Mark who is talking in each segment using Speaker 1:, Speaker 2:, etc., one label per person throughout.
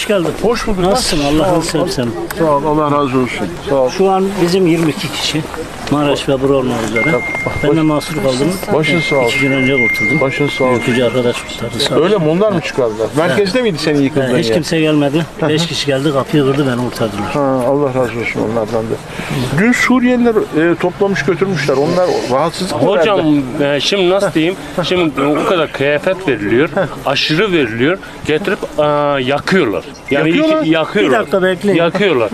Speaker 1: hoş geldin.
Speaker 2: Hoş bulduk.
Speaker 1: Nasılsın? Allah'ını seversen.
Speaker 2: Sağ ol, Allah razı olsun. Sağ ol.
Speaker 1: Şu an bizim 22 kişi. Maraş ve Buru olmak üzere. Ben de mahsur kaldım.
Speaker 2: Başın sağ ol.
Speaker 1: 2 gün önce kurtuldum.
Speaker 2: Başın sağ ol.
Speaker 1: Yükücü arkadaş kurtardı. Sağ ol.
Speaker 2: Öyle mi? Onlar mı çıkardılar? Merkezde miydi senin yıkıldığın
Speaker 1: Hiç
Speaker 2: yer?
Speaker 1: kimse gelmedi. 5 kişi geldi, kapıyı kırdı, beni kurtardılar.
Speaker 2: Ha, Allah razı olsun onlardan da. Dün Suriyeliler toplamış götürmüşler. Onlar rahatsızlık mı
Speaker 3: Hocam
Speaker 2: verdi?
Speaker 3: şimdi nasıl diyeyim? Şimdi o kadar kıyafet veriliyor, aşırı veriliyor, getirip yakıyorlar. Yani
Speaker 2: Yakıyorlar?
Speaker 3: yakıyorlar.
Speaker 1: Bir dakika bekleyin.
Speaker 3: Yakıyorlar.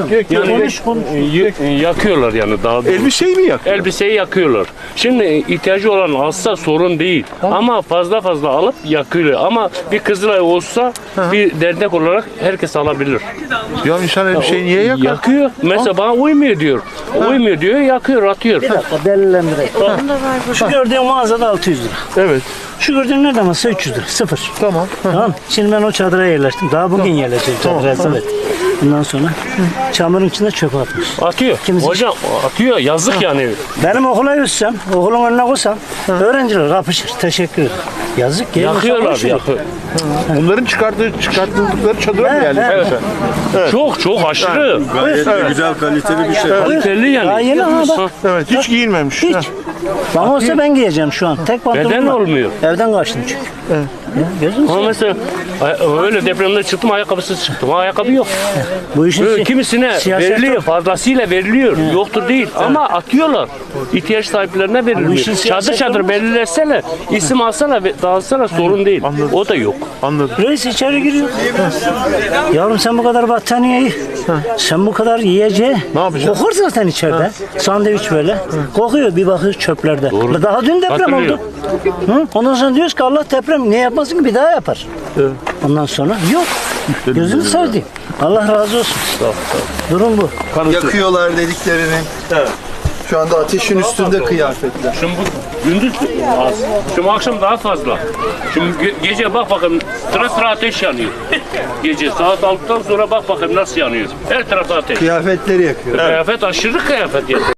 Speaker 3: Yakıyorlar yani daha doğrusu.
Speaker 2: Elbiseyi mi yakıyor?
Speaker 3: Elbiseyi yakıyorlar. Şimdi ihtiyacı olan alsa sorun değil. Ama fazla alıp yakıyorlar. Ama bir Kızılay olsa bir dernek olarak herkes alabilir.
Speaker 2: Ya insan elbiseyi niye yakar?
Speaker 3: Yakıyor. Mesela bana uymuyor diyor. Uymuyor diyor, yakıyor, atıyor.
Speaker 1: Bir dakika delillendireyim. Şu gördüğün mağazada 600 lira.
Speaker 2: Evet.
Speaker 1: Şu gördüğün nerede masa 300 lira. Sıfır.
Speaker 2: Tamam.
Speaker 1: Tamam. Şimdi ben o çadıra yerleştim. Daha bugün yerleşeceğim çadıra. Evet. Bundan sonra çamurun içinde çöpe atmış.
Speaker 3: Atıyor.
Speaker 1: Kimisi-
Speaker 3: Hocam atıyor. Yazık yani.
Speaker 1: Benim okula yüzsem, okulun önüne koysam öğrenciler kapışır. Teşekkür ederim. Yazık ki.
Speaker 3: Yakıyorlar. Yakıyor.
Speaker 2: Bunların çıkartıldıkları çadıra mı geldi?
Speaker 3: Evet. Çok aşırı.
Speaker 4: Gayet de güzel, kaliteli bir şey.
Speaker 3: Kaliteli yani.
Speaker 1: Daha yeni ha bak.
Speaker 2: Evet. Hiç giyilmemiş.
Speaker 1: Hiç.
Speaker 2: Ha.
Speaker 1: Bana olsa ben giyeceğim şu an. Tek pantolon
Speaker 3: Beden
Speaker 1: var.
Speaker 3: olmuyor.
Speaker 1: Evden kaçtım çünkü. Ya, gözünü
Speaker 3: Ama
Speaker 1: seveyim.
Speaker 3: mesela öyle depremde çıktım ayakkabısız çıktım. Ayakkabı yok.
Speaker 1: Bu işin
Speaker 3: Böyle kimisine
Speaker 1: siyaset
Speaker 3: veriliyor,
Speaker 1: yok.
Speaker 3: fazlasıyla veriliyor. Yoktur değil. Ama atıyorlar. İhtiyaç sahiplerine verilmiyor.
Speaker 1: işin siyaset
Speaker 3: Çadır
Speaker 1: olmaz.
Speaker 3: belirleseler, isim alsalar, dağıtsalar sorun değil. O da yok.
Speaker 2: Anladım.
Speaker 1: Reis içeri giriyor. Yavrum sen bu kadar battaniyeyi, sen bu kadar yiyeceği.
Speaker 2: Ne yapacaksın?
Speaker 1: Kokar zaten içeride. Sandviç böyle. Kokuyor bir bakıyor çöplerde.
Speaker 3: Doğru.
Speaker 1: Daha dün deprem
Speaker 3: Hatırlıyorum.
Speaker 1: oldu. Hı? Ondan sonra diyoruz ki Allah deprem ne yapmasın ki bir daha yapar. Ondan sonra yok. Gözünü seveyim. Allah razı olsun. Durum bu.
Speaker 4: Yakıyorlar dediklerini. Şu anda ateşin üstünde kıyafetler.
Speaker 3: Şimdi bu gündüz az. Şimdi akşam daha fazla. Şimdi gece bak bakayım sıra ateş yanıyor. Gece saat 6'dan sonra bak bakayım nasıl yanıyor. Her tarafta ateş.
Speaker 4: Kıyafetleri yakıyor.
Speaker 3: Kıyafet aşırı kıyafet yani.